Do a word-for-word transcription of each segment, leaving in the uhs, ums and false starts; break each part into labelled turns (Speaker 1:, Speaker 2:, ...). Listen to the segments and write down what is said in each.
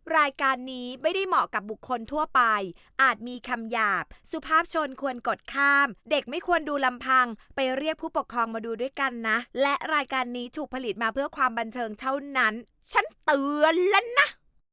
Speaker 1: รายการนี้ไม่ได้เหมาะกับบุคคลทั่วไปอาจมีคำหยาบสุภาพชนควรกดข้ามเด็กไม่ควรดูลำพังไปเรียกผู้ปกครองมาดูด้วยกันนะและรายการนี้ถูกผลิตมาเพื่อความบันเทิงเท่านั้นฉันเตือนแล้วนะ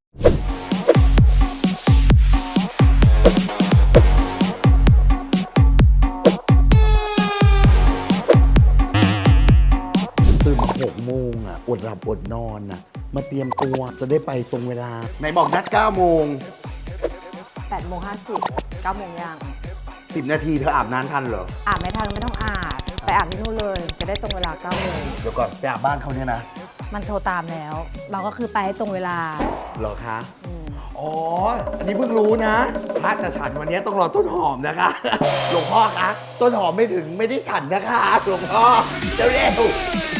Speaker 2: ตื่นมาหกโมงอ่ะอดหลับอดนอนอ่ะมาเตรียมตัวจะได้ไปตรงเวลาไหนบอกนัดเก้าโมง
Speaker 3: แปดโมงห้าสิบเก้าโมงยัง
Speaker 2: สิบนาทีเธออาบน้ำทันเหรอ
Speaker 3: อาบไม่ทันไม่ต้องอาบไปอาบที่นู่นเลยจะได้ตรงเวลาเก้าโมง
Speaker 2: เดี๋ยวก่อนไปอาบบ้านเขาเนี่ยนะ
Speaker 3: มันโทรตามแล้วเราก็คือไปให้ตรงเวลา
Speaker 2: เหรอคะอ๋ออันนี้เพิ่งรู้นะพระจะฉันวันนี้ต้องรอต้นหอมนะคะหลวงพ่อคะต้นหอมไม่ถึงไม่ได้ฉันนะคะหลวงพ่อเร็วๆ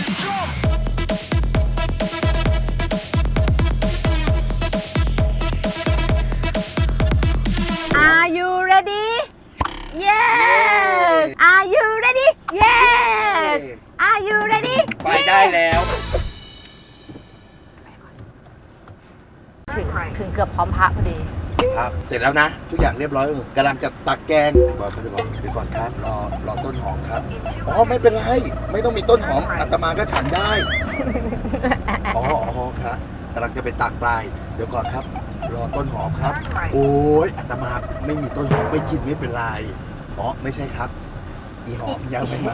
Speaker 3: Are you ready? Yes. Are you ready? Yes. Are you ready?
Speaker 2: ไปได้แล้ว
Speaker 3: ถึงถึงเกือบพร้อมพระพอดี
Speaker 2: ครับเสร็จแล้วนะทุกอย่างเรียบร้อยกำลังจะตักแกงบอกเขาจะบอกเดี๋ยวก่อนครับรอรอต้นหอมครับอ๋อไม่เป็นไรไม่ต้องมีต้นหอมอาตมาก็ฉันได้อ๋ออ๋อครับกำลังจะไปตักปลายเดี๋ยวก่อนครับรอต้นหอมครับโอ้ยอาตมาไม่มีต้นหอมไม่กินไม่เป็นไรอ๋อไม่ใช่ครับอีหอมยังไม่มา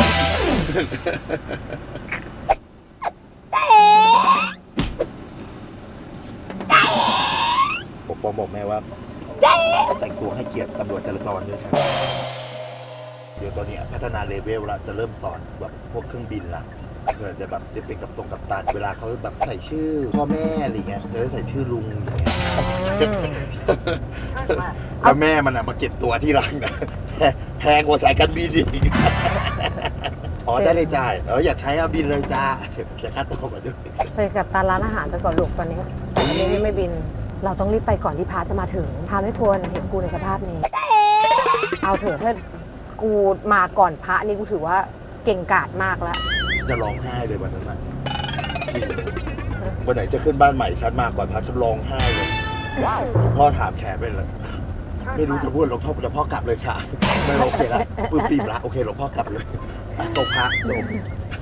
Speaker 2: ปกป้องบอกแม่ว่าแต่งตัวให้เกียรติตำรวจจราจรด้วยครับเดี๋ยวตอนนี้พัฒนาเลเวลละจะเริ่มสอนแบบพวกเครื่องบินละเพื่อจะแบบได้เป็นกับตรงกับตันเวลาเขาแบบใส่ชื่อพ่อแม่อะไรเงี้ยจะได้ใส่ชื่อลุงอย่างเงี้ยแล้วแม่มันอะมาเก็บตัวที่ร้านนะแพงกว่าสายการบินอีกอ๋อได้เลยจ่ายเอออยากใช้เอาบินเลยจ้าแต่ค่าตัวมาด้วย
Speaker 3: ไปกับตาร้านอาหารไปก่อนลูกตอนนี้ตอนนี้ไม่บินเราต้องรีบไปก่อนที่พาจะมาถึงพาไม่ควรเห็นกูในสภาพนี้เอาเถอะถ้ากูมาก่อนพระนี่กูถือว่าเก่งกาจมากแล้ว
Speaker 2: จะร้องไห้เลยวันนั้นนะจริงวันไหนจะขึ้นบ้านใหม่ฉันมาก่อนพระฉันร้องไห้เลยพ่อถามแขกไปเลยไม่รู้จะพูดหลวงพ่อหลวงพ่อกลับเลยค่ะไม่โอเคละปื้มปีมละโอเคหลวงพ่อกลับเลยส่งพระส่ง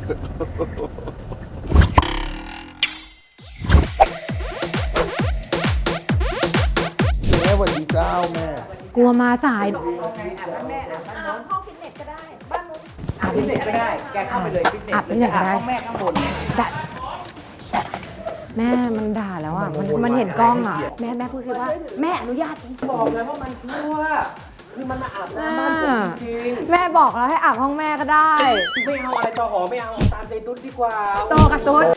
Speaker 2: แม่วันดีเจ้าแม่
Speaker 3: กลัวมาสาย
Speaker 4: ห้องฟิตเนสก็ได้บ้านนู้นอาบฟิตเนสก็ได้แกเข้าไปเลยฟิตเนส
Speaker 3: อาบฟิตเนสก็ได้
Speaker 4: ห้องแม่ข้างบน
Speaker 3: แม่มันด่าแล้วอ่ะมันมันเห็นกล้องอ่ะแม่แม่พูดคือว่าแม่อนุญาต
Speaker 4: บอกเลยว่ามันชั่วคือมันมาอาบน้ำบ้านผมจริง
Speaker 3: แม่บอกแล้วให้อาบห้องแม่ก็ได้
Speaker 4: ไม่เอาอะไรต่อหอไม่เอาตามใจตุ๊ดดีกว่า
Speaker 3: โตกับตุ๊ด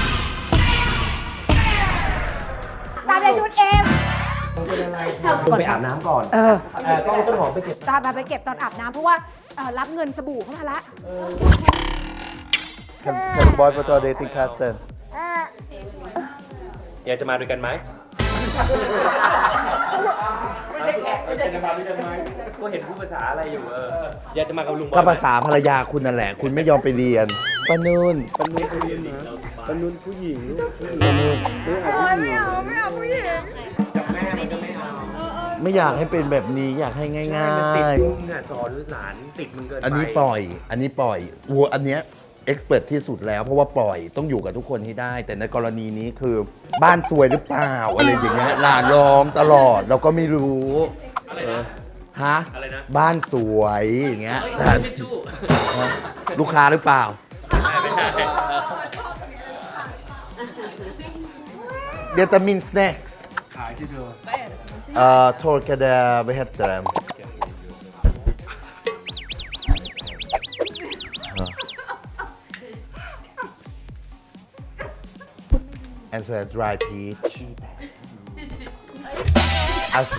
Speaker 3: ตามใจตุ๊ดเอ็ม
Speaker 4: เป็นอะไรไปอาบน้ำก่อน
Speaker 3: เออ
Speaker 4: ต้องต้นหอมไปเก็บ
Speaker 3: ตามไปเก็บตอนอาบน้ำเพราะว่ารับเงินสบู่เข้ามาละ
Speaker 2: Can can boy put on dating Caston
Speaker 5: อยากจะมาด้วยกันไหม
Speaker 4: ไม่ใช่แขกไม่ใช่จะมาด้วยกันไหม
Speaker 5: ก็เห็นพูดภาษาอะไรอยู่เอออยากจะมากับลุงบอล
Speaker 2: ก็ภาษาภรรยาคุณนั่นแหละคุณไม่ยอมไปเรียนปานุน
Speaker 5: ปานุนเรียนนะปานุนผู้หญิงลูก
Speaker 2: ปานุน
Speaker 3: ไม่เอาไม่เอาผู้หญิง
Speaker 5: กับแม่มันก็ไม่เอา
Speaker 2: ไม่อยากให้เป็นแบบนี้อยากให้ง่ายๆ
Speaker 5: ติดมึงอ่ะสอนหลานติดมึงเกินไป
Speaker 2: อันนี้ปล่อยอันนี้ปล่อยวัวอันเนี้ยเอ็กซ์เพรสที่สุดแล้วเพราะว่าปล่อยต้องอยู่กับทุกคนให้ได้แต่ในกรณีนี้คือบ้านซวยหรือเปล่าอะไรอย่างเงี้ยหลานร้องตลอดเราก็ไม่รู้ฮะบ้านสวยอย่างเงี้ยลูกค้าหรือเปล่าเดตามินสแน็คขายที่เธอเอ่อ torkade vad heter det and so a dry peach alltså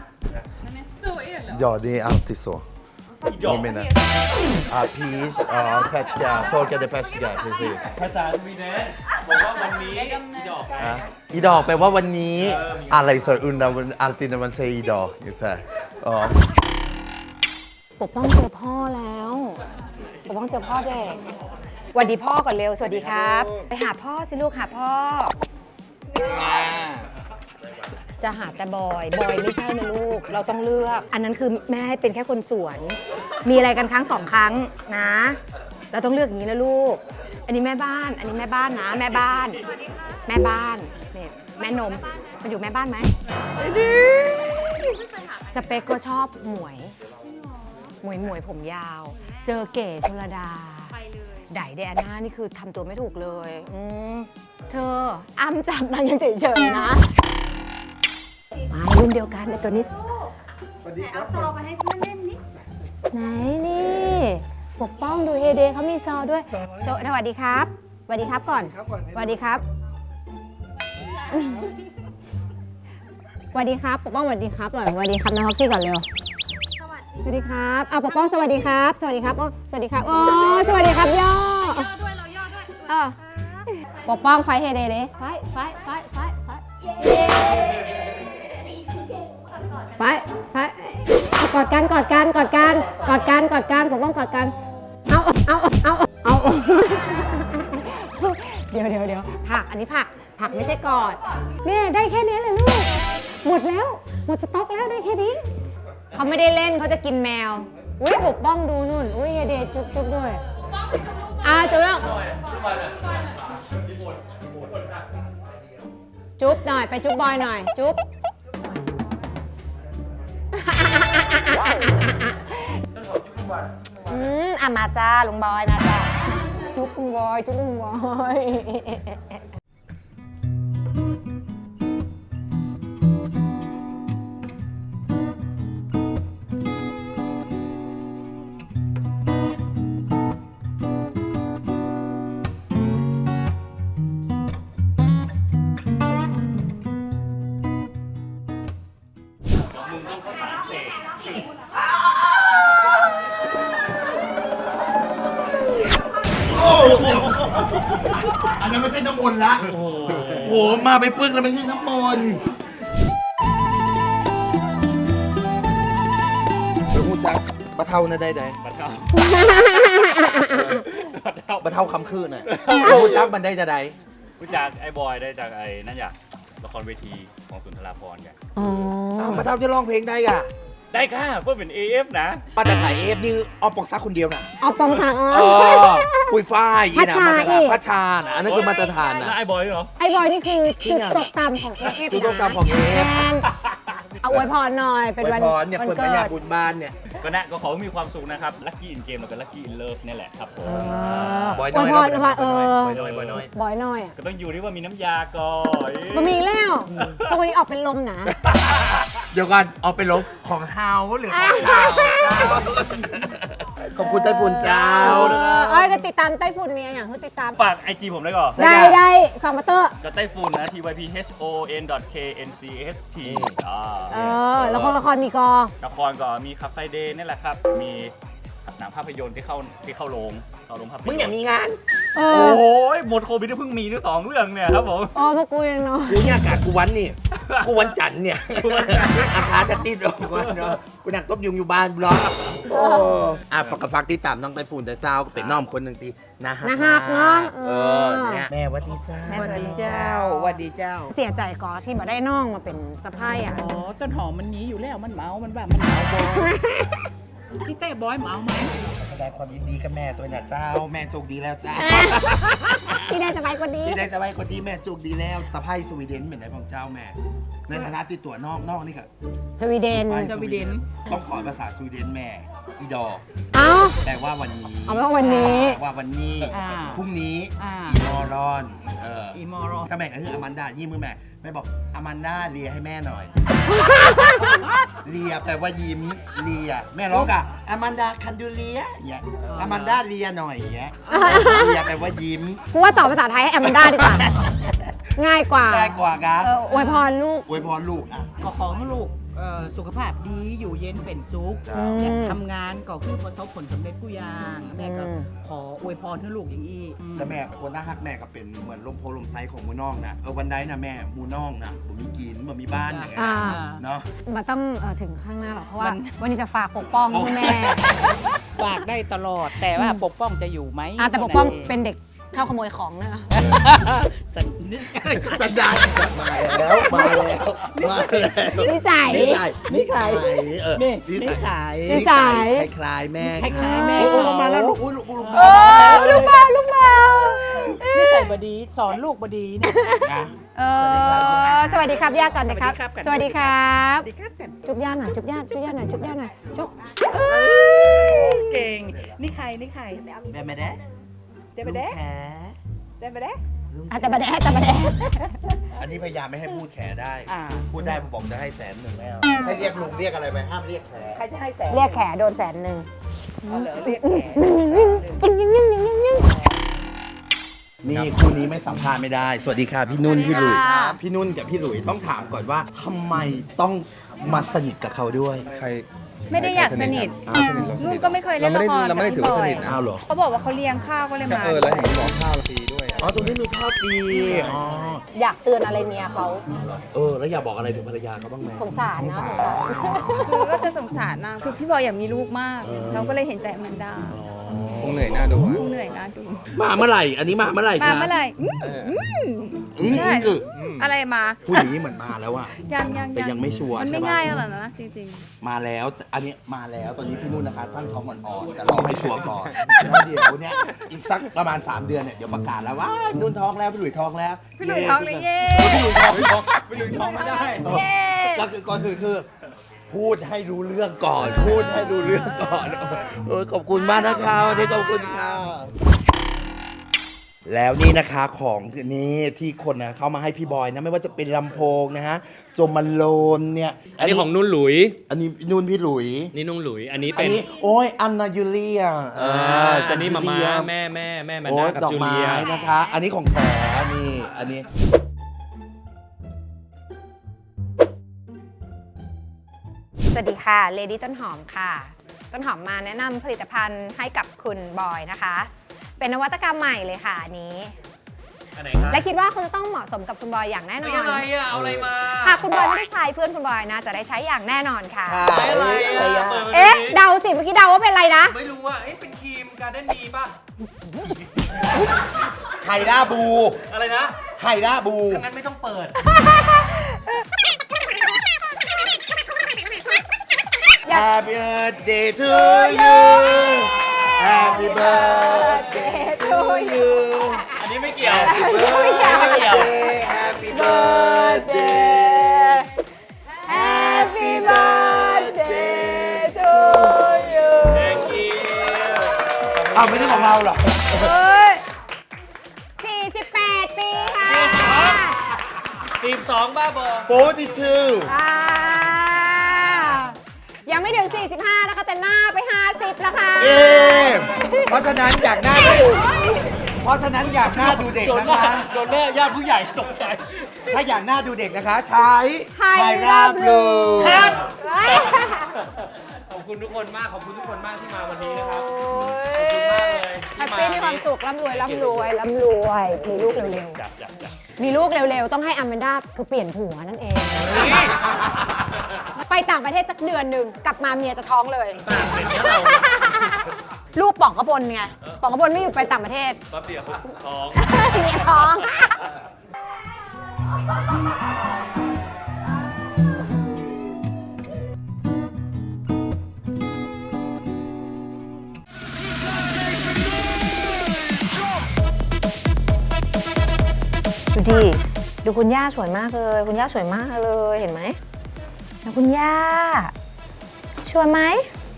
Speaker 2: ja det är alltid så jag menar ah peach ah perska torkade perska precis
Speaker 5: ภาษาสวีเดนบอกว่าวันนี้ดอก
Speaker 2: อ่ะอีดอกแปลว่าวันนี้อะไรสระอุนนะวันอัลตินวันเซอีดอกอยู่ใช่อ๋อ
Speaker 3: ปกป้องเจอพ่อแล้วปกป้องเจอพ่อเด็กสวัสดีพ่อก่อนเร็วสวัสดีครับไปหาพ่อสิลูกหาพ่อจะหาแต่บอย บอยไม่ใช่นะลูก เราต้องเลือก อันนั้นคือแม่ให้เป็นแค่คนสวน มีอะไรกันครั้งสองครั้งนะ เราต้องเลือกอย่างนี้นะลูก อันนี้แม่บ้าน อันนี้แม่บ้านนะ แม่บ้าน แม่บ้านเนี่ยแม่นมมันอยู่แม่บ้านไหมสเปคก็ชอบหมวย หมวยหมวยผมยาว เจอเก๋ชลดา ไปเลยไดเดอาน่านี่คือทำตัวไม่ถูกเลยอืมเธออ้ำจับนางยังเฉยๆนะ มารุ่นเดียวกันในตัวนี้เอาซอมาให้เพื่อนเล่นนิไหนนี่ปกป้องดูเฮเดเขามีซอด้วยโจสวัสดีครับสวัสดีครับก่อนสวัสดีครับสวัสดีครับปกป้องสวัสดีครับหน่อยสวัสดีครับนะฮอกซี่ก่อนเร็วสวัสดีครับเอาปกป้องสวัสดีครับสวัสดีครับโอ้สวัสดีครับโอ้สวัสดีครับย่อย่อด้วยเราย่อด้วยเออปกป้องไฟเฮเดเลยไฟไฟไฟไฟไฟไฟไฟกอดกันกอดกันกอดกันกอดกันกอดกันปกป้องกอดกันเอาเอาเอาเอาเดี๋ยวเดี๋ยวเดี๋ยวผักอันนี้ผักผักไม่ใช่กอดเนี่ยได้แค่นี้เลยลูกหมดแล้วหมดสต็อกแล้วได้แค่นี้เขาไม่ได้เล่นเขาจะกินแมวอุ้ยปกป้องดูนู่นอุ้ยเฮเดจุ๊บจุ๊บด้วยอ่าจุ๊บจุ๊บหน่อยไปจุ๊บบอยหน่อยจุ๊บอืมอ่ะมาจ้าลุงบอยมาจ้าจุ๊บลุงบอยจุ๊บลุงบอย
Speaker 5: มึงต้องเข้าสารเสก
Speaker 2: โอ้อันนั้นไม่ใช่น้ำมนต์ละโอ้โหมาไปปึ้งแล้วไม่ใช่น้ำมนต์เป็นหูจักบะเทานะได้ได้
Speaker 5: บัดเข้า
Speaker 2: บะเทาคำคืนน่ะเป็นหูจักมันได้จะได้
Speaker 5: รู้จักไอ้บอยได้จากไอ้นั่นอยากละครเวทีของสุนทราภรณ์ไง
Speaker 3: อ๋อ
Speaker 2: อ้าวบะเทาจะร้องเพลงได้อ่ะ
Speaker 5: ได้ค่ะเพื่อเป็น เอ เอฟ นะ
Speaker 2: มาแต่ถ่ายเอฟนี่เอาปกซักคนเดียวน่ะ
Speaker 3: เอาปองทางอ๋อ
Speaker 2: เออปุยฝ้ายอีนะ
Speaker 3: พัชชา
Speaker 2: มาตร
Speaker 3: อี
Speaker 2: ฐาน
Speaker 3: ก
Speaker 2: พัชชาน่ะอันนั้นคือมาตรฐาน
Speaker 5: แล้ว
Speaker 2: น่ะ
Speaker 5: ไอ้บอยเหรอ
Speaker 3: ไอ้บอยนี่คือจุดตกต่ำของเอฟ
Speaker 2: จุดตกต่ำของ เอฟ
Speaker 3: แมนเอาอวยพรหน่อยเป็น
Speaker 2: อวย
Speaker 3: วัน
Speaker 2: พรเนี่ย
Speaker 3: วัน
Speaker 2: เปิด
Speaker 3: เกิ
Speaker 2: ปัญญา
Speaker 3: ด
Speaker 2: บุญบ้านเนี่ย
Speaker 5: ก็นะก็ขอให้มีความสุขนะครับ ลัคกี้อินเกมแล้วก็ลัคกี้อินเลิฟนี่แหละครับผม
Speaker 2: บอย
Speaker 3: อ
Speaker 2: น้
Speaker 3: ว
Speaker 2: อย ย
Speaker 3: พรอวยพรเออ
Speaker 2: บอยน้อยบอยน้อย
Speaker 3: บอยหน่อยอะ
Speaker 5: ก็ต้องอยู่ที่ว่ามีน้ำยาก่อน
Speaker 3: บะหมี่แล้วตรงนี้ออกเป็นลมนะ
Speaker 2: เดี๋ยวก่อนเอาไปลบของเฮาหรือของเฮาเจ้าขอบคุณไต้ฝุ่นเจ้า
Speaker 3: เอ้ยจะติดตามไต้ฝุ่นมีอะไรอย่างคือติดตาม
Speaker 5: ฝากไอจีผมได้ก่อน
Speaker 2: ได้
Speaker 3: ได้ได้ฟังมาเตอร์
Speaker 5: ก็ไต้ฝุ่นนะ ที วาย พี เอช โอ เอ็น เค เอ็น ซี เอส ที อ่า
Speaker 3: เออละครละครมีกอ
Speaker 5: ละครก็มีคาเฟ่เดย์นี่แหละครับ มีหนังภาพยนตร์ที่เข้าที่เข้าโรงเข้าโรงภาพยนตร์
Speaker 2: มึงอยากมีงาน
Speaker 3: เอ
Speaker 5: โอ้
Speaker 3: อ
Speaker 5: โหหมดโควิดที่เพิ่งมีนี่สองเรื่องเนี่ยครับผม
Speaker 3: โอ้พวกกูยังเนาะ
Speaker 2: กูเนี่ยอากาศกูวันนี่ กูวันจันทร์เนี่ย
Speaker 5: กูวันจันทร์
Speaker 2: อาคารจะติดออกก่อนเนาะกูนั่งต้มยุงอยู่บ้านบล็อกโอ้อ่ะฝากกับฝากติดตามน้องไต้ฝุ่นแต่เจ้าก็เป็นน้องคนหนึ่งตีนะฮะ
Speaker 3: นะฮักเนาะ
Speaker 2: เออเนี่ยแม่หวัดดีเจ้า
Speaker 3: แม่
Speaker 4: สวัสดีเจ้าสวัสดีเจ้า
Speaker 3: เสียใจก่อที่มาได้น้องมาเป็นสะพ้ายอ่ะ
Speaker 4: อ๋อ ต้นหอมมันมีอยู่แล้ว มันเมา มันว่ามันเมาบอยพี่เต้บอยเมาไหม
Speaker 2: แสดงความยินดีกับแม่ตัวน่ะเจ้า แม่โชคดีแล้วเจ้า
Speaker 3: ที่ได้สบายกว่านี้
Speaker 2: ที่ได้จะไว้คนที่แม่โชคดีแล้วสะพ้ายสวีเดนเป็นไหนของเจ้าแม่ ในฐานะติดตัวนอกนอกนี่ก็
Speaker 3: สวีเดน
Speaker 2: ไปสวีเดนต้องสอนภาษาสวีเดนแม่อีดอ
Speaker 3: เอ้า
Speaker 2: แปลว่าวันนี้
Speaker 3: เอาเป็นว่าวันนี้
Speaker 2: ว่าวันนี้
Speaker 4: อ่า
Speaker 2: พรุ่งนี้
Speaker 4: อ่า
Speaker 2: อีมอรอนเออ
Speaker 4: อีมอรอ
Speaker 2: ก็แม่ก็คืออแมนดายี่มือแม่แม่บอกอแมนดาเลียให้แม่หน่อย เลียแปลว่ายิ้มเลียแม่ร้องอ่ะอแมนดาคันดูเลียอย่างเงี้ยอแมนดาเลียหน่อยอย่างเงี้ยเลียแปลว่ายิ้ม
Speaker 3: กูว่าสอนภาษาไทยให้แอมมันได้ดีกว่า ง่ายกว่า
Speaker 2: ง่ายกว่ากะ
Speaker 3: เอออวยพรลูก
Speaker 2: อวยพรลูกอ่ะ
Speaker 4: ขอของลูกเอ่อสุขภาพดีอยู่เย็นเป็นสุข
Speaker 2: จ้า
Speaker 4: อยากทำงานก็คือประสบผลสำเร็จกู้อย่างแม่ก็
Speaker 3: อืม
Speaker 4: ขออวยพรให้ลูกอย่างอี้อืม
Speaker 2: แต่แม่เป็นคนน่าฮักแม่ก็เป็นเหมือนลมโพลมไซของมูน้องนะเออวันใดนะแม่มูน้องนะผมมีกินผมมีบ้านอย่างเงี้ย
Speaker 3: อ่า
Speaker 2: นะเนาะ
Speaker 3: มันต้องเอ่อถึงข้างหน้าหรอกเพราะว่าวันนี้จะฝากปกป้องคุณแม่
Speaker 4: ฝากได้ตลอดแต่ว่าปกป้องจะอยู่ไหม
Speaker 3: อ่ะแต่ปกป้องเป็นเด็กชอบขโมยของนะ
Speaker 4: สันนิษ
Speaker 2: สันดานมาแล้วมาแล้วมาแล้ว
Speaker 3: นิสัย
Speaker 2: นิสัยนิสัยเออ
Speaker 4: นี่
Speaker 2: นิ
Speaker 4: นิ
Speaker 2: สัย
Speaker 4: สัย
Speaker 3: นิสัย
Speaker 2: คล้ายๆแม่
Speaker 4: คล้ายๆแม่
Speaker 2: โอ้โอ้ลงมาแล้วลูกอุ้ยลูกลูก
Speaker 3: เออลูกเบาลูกเบา
Speaker 4: นิสัยบดีสอนลูกบดีเนี่ย
Speaker 2: นะ
Speaker 3: เออสวัสดีครับย่าก่อนนะครับ ส
Speaker 4: สวั
Speaker 3: วัส
Speaker 4: สดี
Speaker 3: ดีค
Speaker 4: ครั
Speaker 3: รับ
Speaker 4: สวัสดีครับกัน
Speaker 3: จุ๊บย่าหน่อยจุ๊บย่าจุ๊บย่าหน่อยจุ๊บย่าหน่อยจุ๊บ
Speaker 4: เก่งนี่ใครนี่ใคร
Speaker 2: แม่ไม่ได้
Speaker 4: เดบเด้เดบเด้
Speaker 3: อาจจะบะแดะแต่บะแดะ
Speaker 2: อันนี้พยายามไม่ให้พูดแขได้
Speaker 4: อ่า
Speaker 2: พูดได้ผมบอกจะให้แสนหนึ่งแล้วให้เรียกลุงเรียกอะไรไปห้ามเรียกแข
Speaker 4: ใครจะให้แสน
Speaker 3: เรียกแขโดนแสนหนึ่ง
Speaker 4: เอาเหรอเรียกแข
Speaker 3: ยิ่งยิ่งยิ่งยิ่งยิ่งยิ่ง
Speaker 2: นี่คู่นี้ไม่สัมภาษณ์ไม่ได้ สวัสดีค่ะพี่นุ่น
Speaker 3: สวัสดี
Speaker 2: พี่หลุย
Speaker 3: ค่ะ
Speaker 2: พี่นุ่นกับพี่หลุยต้องถามก่อนว่าทำไมต้องมาสนิทกับเขาด้วย
Speaker 6: ใคร
Speaker 7: ไม่ได้อยากสนิท
Speaker 6: อ่าสนิทเราส
Speaker 7: นุ่
Speaker 6: นิ
Speaker 7: น
Speaker 6: ท
Speaker 7: ก็ไม่เคยเล่น
Speaker 6: เราไม่
Speaker 7: ละ
Speaker 6: ได้
Speaker 7: คร
Speaker 6: เราไม่ได้
Speaker 7: กับ
Speaker 6: ถือ
Speaker 7: พี่
Speaker 6: ว่า
Speaker 7: บ
Speaker 6: ส
Speaker 7: อย
Speaker 6: นิทนะ
Speaker 2: อ้าวเหรอ
Speaker 7: เขาบอกว่าเขาเลี้ยงข้าวก็เลยมา
Speaker 6: เออแล้วเห็นหมอข้าวฟรีด้วย
Speaker 2: อ๋อตรงนี้มีข้าวฟรีอ๋อ
Speaker 3: อยากเตือนอะไรเมียเขา
Speaker 2: เออแล้วอยากบอกอะไรถึงภรรยาเขาบ้างไหม
Speaker 3: สงสารนะสงสาร
Speaker 7: คือก็จะสงสารนะคือพี่บอยอยากมีลูกมาก เราก็เลยเห็นใจอแมนดา
Speaker 6: คงเหนื่อยหน้าดูอะ
Speaker 7: คงเหนื่อยนะดู
Speaker 2: มาเมื่อไหร่ อันนี้มาเมื่อไหร่
Speaker 7: มา
Speaker 2: คะ
Speaker 7: เมื่อไหร่อืม
Speaker 6: เออ
Speaker 2: อืม
Speaker 7: ใช่
Speaker 2: คือ
Speaker 7: อะไรมา
Speaker 2: ผู้หญิงนี่เหมือนมาแล้วอะ
Speaker 7: ยังยัง
Speaker 2: แต่ยังไม่ชัวร์
Speaker 7: มันไม่
Speaker 2: ใช่ปะ
Speaker 7: ง่ายขนาดนั้นนะจริง
Speaker 2: มาแล้ว อันนี้มาแล้วตอนนี้พี่นุ่นนะคะตั้งท้องอ่อนๆแต่เราให้ชัวร์ก่อนแล้วเดี๋ยวเนี่ยอีกสักประมาณ สาม เดือนเนี่ยเดี๋ยวประกาศแล้วว่านุ่นท้องแล้วพี่หลุยท้องแล้ว
Speaker 7: ๆ พี่หลุยท้องเลยเย้
Speaker 2: พี่หลุยท้องพี่หลุยท้องพี่หลุยท้องไม่ได้
Speaker 7: เย้
Speaker 2: ก็คือก่อนคือคือพูดให้รู้เรื่องก่อน พูดให้รู้เรื่องก่อนเออขอบคุณมากนะคะวันนี้ขอบคุณค่ะแล้วนี่นะคะของนี้ที่คนนะเข้ามาให้พี่บอยนะไม่ว่าจะเป็นลำโพงนะฮะโจมาโลนเนี่ย
Speaker 8: อันนี้ของนุ่นหลุย
Speaker 2: อันนี้นุ่นพี่หลุย
Speaker 8: นี่นุ่นหลุย อันนี้
Speaker 2: อัน
Speaker 8: เป็น
Speaker 2: นี้โอ้ยอันนายูเลียเออ
Speaker 8: อันนี้มา
Speaker 2: จู
Speaker 8: ม่า
Speaker 2: เลีย
Speaker 8: แม่แม่แม่แมน
Speaker 2: โอ้
Speaker 8: ดาย กับ
Speaker 2: ดอก
Speaker 8: จู
Speaker 2: ไม้
Speaker 8: เลีย
Speaker 2: นะคะ อันนี้ของแถนี่อันนี้
Speaker 3: สวัสดีค่ะเลดี้ต้นหอมค่ะ ต้นหอมมาแนะนำผลิตภัณฑ์ให้กับคุณบอยนะคะ เป็นนวัตกรรมใหม่เลยค่ะอันนี้
Speaker 8: อันไหนครับ
Speaker 3: และคิดว่าคุณจะต้องเหมาะสมกับคุณบอยอย่างแน่น
Speaker 8: ไม่
Speaker 3: อน
Speaker 8: อะไรอ่ะ เอาอะไรมา
Speaker 3: หากคุณบอยไม่ได้ใช้เพื่อนคุณบอยนะจะได้ใช้อย่างแน่นอนค่ะ
Speaker 2: ค่ะ
Speaker 8: ไม่อะไร
Speaker 2: อะไร
Speaker 8: อ่ะ
Speaker 2: อะ
Speaker 8: เปิดมา
Speaker 3: เอ๊ะ
Speaker 8: ดิ
Speaker 3: เดาสิเมื่อกี้เดาว่าเป็นอะไรนะ
Speaker 8: ไม่รู้ว่า เอ๊ะ เป็นครีมการ์เด้นดีป่ะ
Speaker 2: ไฮด้าบู
Speaker 8: อะไรนะ
Speaker 2: ไฮด้าบู
Speaker 8: งั้นไม่ต้องเปิด
Speaker 2: Happy birthday to you Happy birthday to you
Speaker 8: อันนี้ไม่เกี่ยว
Speaker 2: Happy
Speaker 8: ไม่เกี่ยว
Speaker 2: birthday Happy birthday Happy birthday to you
Speaker 8: Thank you
Speaker 2: อ้าวไม่ใช่ของเราเหรอ
Speaker 3: สี่สิบแปดปีค่ะ
Speaker 8: สิบสองบ้าบอ
Speaker 2: forty-two
Speaker 3: อ่ายังไม่ถึง สี่สิบห้า นะคะแต่หน้าไป ห้าสิบ แล้วค่ะ
Speaker 2: เอ๊ะเพราะฉะนั้นอยากหน้าดูเพราะฉะนั้นอยากหน้าดูเด็ก
Speaker 8: โดน
Speaker 2: นะ
Speaker 8: แม่
Speaker 2: คะ
Speaker 8: โดนแม่ญาติผู้ใหญ่ตกใจ
Speaker 2: ถ้าอยากหน้าดูเด็กนะคะ ใช้
Speaker 3: ไฮ
Speaker 2: ไฮ
Speaker 3: รา
Speaker 2: รา
Speaker 3: บบ ลู
Speaker 2: ลู
Speaker 8: ครับ ขอบคุณทุกคนมาก ขอบคุณทุกคนมากที่มาวันนี้นะครับ ขอบคุณมากเลย
Speaker 3: แฮปปี้มีความสุขร่ำรวยร่ำรวยร่ำรวย มีลูกเร็ว
Speaker 8: จับจับจับ
Speaker 3: ๆ มีลูกเร็วๆ ต้องให้อแมนด้าคือเปลี่ยนผัวนั่นเอง ไปต่างประเทศสักเดือนหนึ่งกลับมาเมียจะท้องเลย
Speaker 8: ปากเป็นนะเรา
Speaker 3: ลูกป่องกระพลไงป่องกระพลไม่อยู่ไปต่างประเทศ
Speaker 8: แป๊บเดียวเขาท้อง
Speaker 3: เมียท้อง ดูดิ ดูคุณย่าสวยมากเลย คุณย่าสวยมากเลย เห็นไหมแล้วคุณย่าสวยไหม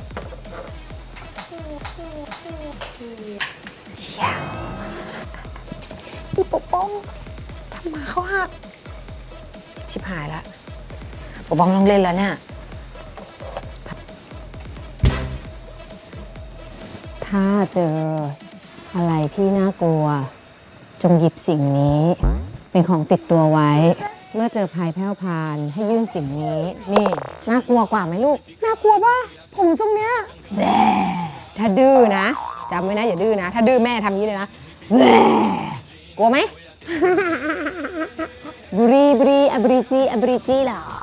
Speaker 3: เชียวอีปกป้องทำมาเขาหัก ชิบหายแล้วปกป้องต้องเล่นแล้วเนี่ย ถ้าเจออะไรที่น่ากลัว จงหยิบสิ่งนี้ เป็นของติดตัวไว้ เมื่อเจอภัยแพร่วพรานให้ยื่นสิ่งนี้ นี่ น่ากลัวกว่าไหมลูก น่ากลัวป่ะ ผมทรงเนี้ยแหม่ถ้าดื้อนะจำไว้นะอย่าดื้อนะ ถ้าดื้อแม่ทำอย่างนี้เลยนะแหม่กลัวไหม บรีบรีอบริจีอบริจีเหรอ